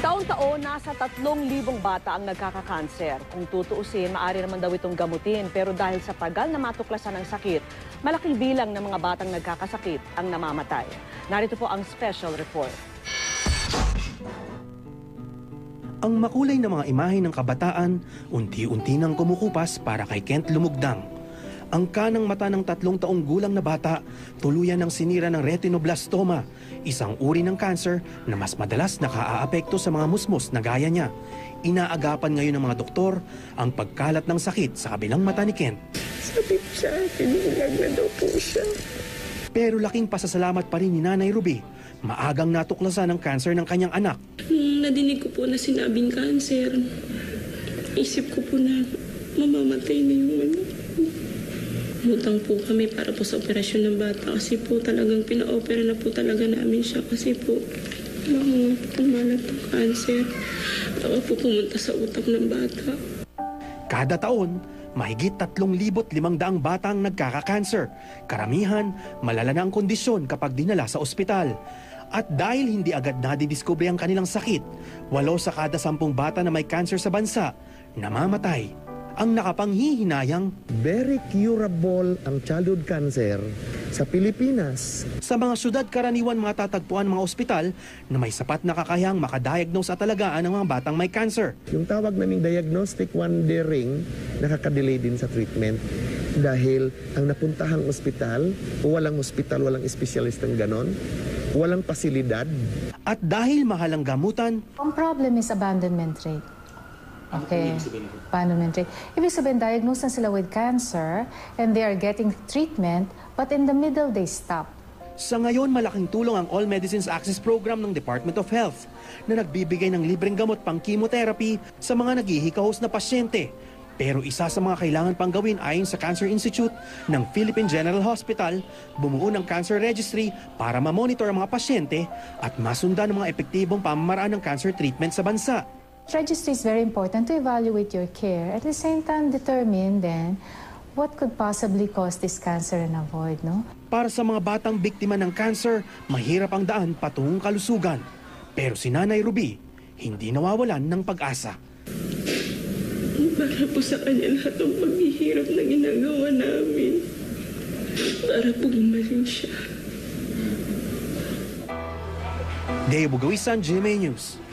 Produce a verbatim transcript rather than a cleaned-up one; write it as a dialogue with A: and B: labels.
A: Taon-taon, nasa tatlong libong bata ang nagkakakanser. Kung tutuusin, maaari naman daw itong gamutin. Pero dahil sa tagal na matuklasan ng sakit, malaking bilang ng mga batang nagkakasakit ang namamatay. Narito po ang special report.
B: Ang makulay na mga imahe ng kabataan, unti-unti nang kumukupas para kay Kent Lumugdang. Ang kanang mata ng tatlong taong gulang na bata, tuluyan ng sinira ng retinoblastoma, isang uri ng cancer na mas madalas nakaaapekto sa mga musmos na gaya niya. Inaagapan ngayon ng mga doktor ang pagkalat ng sakit sa kabilang mata ni Kent.
C: Sabi po sa akin, bulag na daw po siya.
B: Pero laking pasasalamat pa rin ni Nanay Ruby, maagang natuklasan ang cancer ng kanyang anak.
C: Nung nadinig ko po na sinabing cancer, isip ko po na mamamatay na yung anak. Umutang po kami para po sa operasyon ng bata kasi po talagang pina-opera na po talaga namin siya kasi po mga kumalat ng cancer. Baka po pumunta sa utak ng bata.
B: Kada taon, mahigit tatlong libot limang daang bata ang nagkaka-cancer. Karamihan, malala na ang kondisyon kapag dinala sa ospital. At dahil hindi agad nadidiskubre ang kanilang sakit, walo sa kada sampung bata na may cancer sa bansa, namamatay. Ang nakapanghihinayang,
D: very curable ang childhood cancer sa Pilipinas.
B: Sa mga syudad karaniwan matatagpuan mga ospital na may sapat na kakayahang makadiagnose at alagaan ng mga batang may cancer.
D: Yung tawag naming diagnostic wondering, nakakadelay din sa treatment. Dahil ang napuntahang ospital, o walang ospital, walang espesyalistang ganon, walang pasilidad.
B: At dahil mahal ang gamutan,
E: ang problem is abandonment rate. Okay, abandonment rate. Ibig sabihin, diagnosed na sila with cancer and they are getting treatment, but in the middle, they stop.
B: sa ngayon malaking tulong ang All Medicines Access Program ng Department of Health na nagbibigay ng libreng gamot pang chemotherapy sa mga naghihikahos na pasyente. Pero isa sa mga kailangan pang gawin ayon sa Cancer Institute ng Philippine General Hospital, bumuo ng cancer registry para ma-monitor ang mga pasyente at masundan ang mga epektibong pamamaraan ng cancer treatment sa bansa.
E: Registry is very important to evaluate your care. At the same time, determine then what could possibly cause this cancer and avoid, no?
B: Para sa mga batang biktima ng cancer, mahirap ang daan patungong kalusugan. Pero si Nanay Ruby, hindi nawawalan ng pag-asa.
C: Para po sa kanya lahat ng paghihirap na ginagawa namin. Para po gumaling siya.
B: Deo Bugawisan, G M A News.